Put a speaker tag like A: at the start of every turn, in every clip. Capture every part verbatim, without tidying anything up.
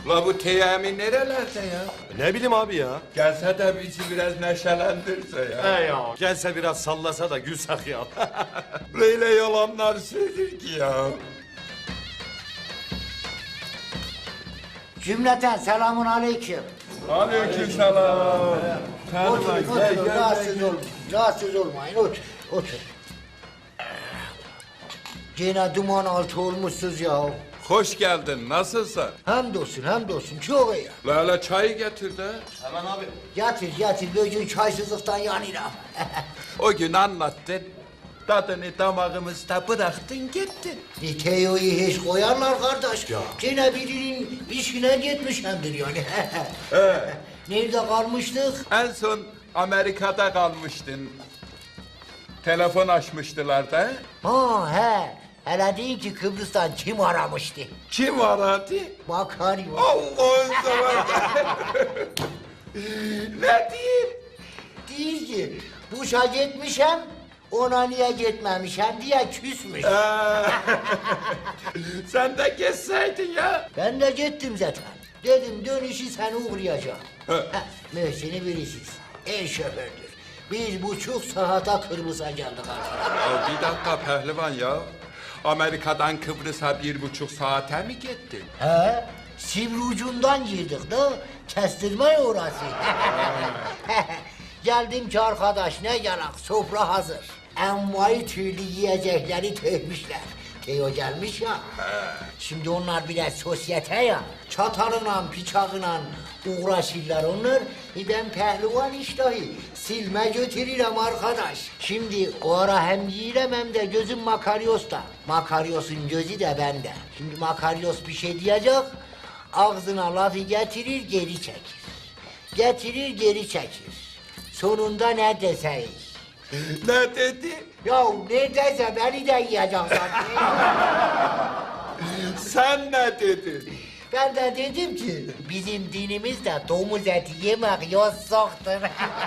A: La bu Teyami nerelerde ya?
B: Ne bileyim abi ya.
A: Gelse de bizi biraz neşelendirse ya.
B: He ya. Gelse biraz sallasa da gülsek ya.
A: Böyle yalanlar söyler ki ya.
C: Cümleten selamun aleyküm.
A: Aleykümselam.
C: Oturun, oturun, rahatsız olmayın. Rahatsız olmayın, otur, otur. Gene duman altı olmuşsunuz ya.
A: Hoş geldin. Nasılsın?
C: Hamdolsun, hamdolsun, çok iyi.
A: Lala çayı getir de.
B: Hemen abi.
C: Yatır, yatır, bugün çaysızlıktan yanıram.
A: O gün anlattın. Tadını damağımızda bıraktın gittin.
C: E, Teo'yu hiç koyarlar kardeş. Ya. Gene birinin işine gitmişemdir yani. Nerede kalmıştık?
A: En son Amerika'da kalmıştın. Telefon açmıştılar da.
C: Ha he. Hele deyin ki Kıbrıs'tan kim aramıştı?
A: Kim aradı?
C: Makaryo.
A: Allah'ın seversen. Ne diyeyim?
C: Değil ki duşa gitmişem, ona niye gitmemişem diye küsmüş.
A: Ee, Sen de geçseydin ya.
C: Ben de gittim zaten. Dedim dönüşü seni uğrayacağım. Heh, Möhsin'i bilirsiniz. El şofördür. Bir buçuk saate Kıbrıs'a geldik artık.
A: Ya bir dakika pehlivan ya. Amerika'dan Kıbrıs'a bir buçuk saate mi gittin?
C: He? Sivri ucundan girdik de kestirme orası. Geldim ki arkadaş ne yarak sofra hazır. Envai türlü yiyecekleri tökmüşler. Teo gelmiş ya. Şimdi onlar biraz sosyete ya. Çatalıyla, bıçağıyla uğraşırlar onlar. E ben pehlivan iştahı. Silme götürürüm arkadaş. Şimdi o ara hem yiyirem hem de gözüm Makaryos'ta. Makaryos'un gözü de bende. Şimdi Makaryos bir şey diyecek. Ağzına lafı getirir geri çekir. Getirir geri çekir. Sonunda ne deseyik?
A: Ne dedi?
C: Ya ne dese beni de yiyecek sanki.
A: Sen ne dedin?
C: Ben de dedim ki bizim dinimizde domuz eti yemek yasakdır.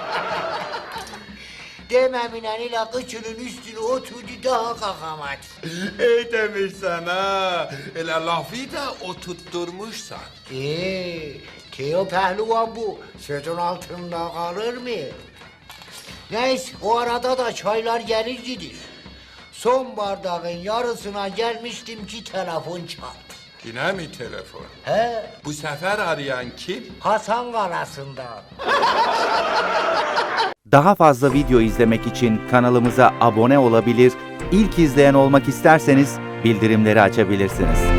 C: Dememinen ile kıçının üstüne oturdu daha kalkamadı.
A: İyi demişsen ha. Öyle lafı da oturtturmuşsan.
C: Ee, Teo pehlivan bu. Sözün altında kalır mı? Neyse o arada da çaylar gelir gidir. Son bardağın yarısına gelmiştim ki telefon çaldı.
A: Yine mi telefon?
C: He,
A: Bu sefer arayan kim?
C: Hasan Kalası'ndan.
D: Daha fazla video izlemek için kanalımıza abone olabilir, ilk izleyen olmak isterseniz bildirimleri açabilirsiniz.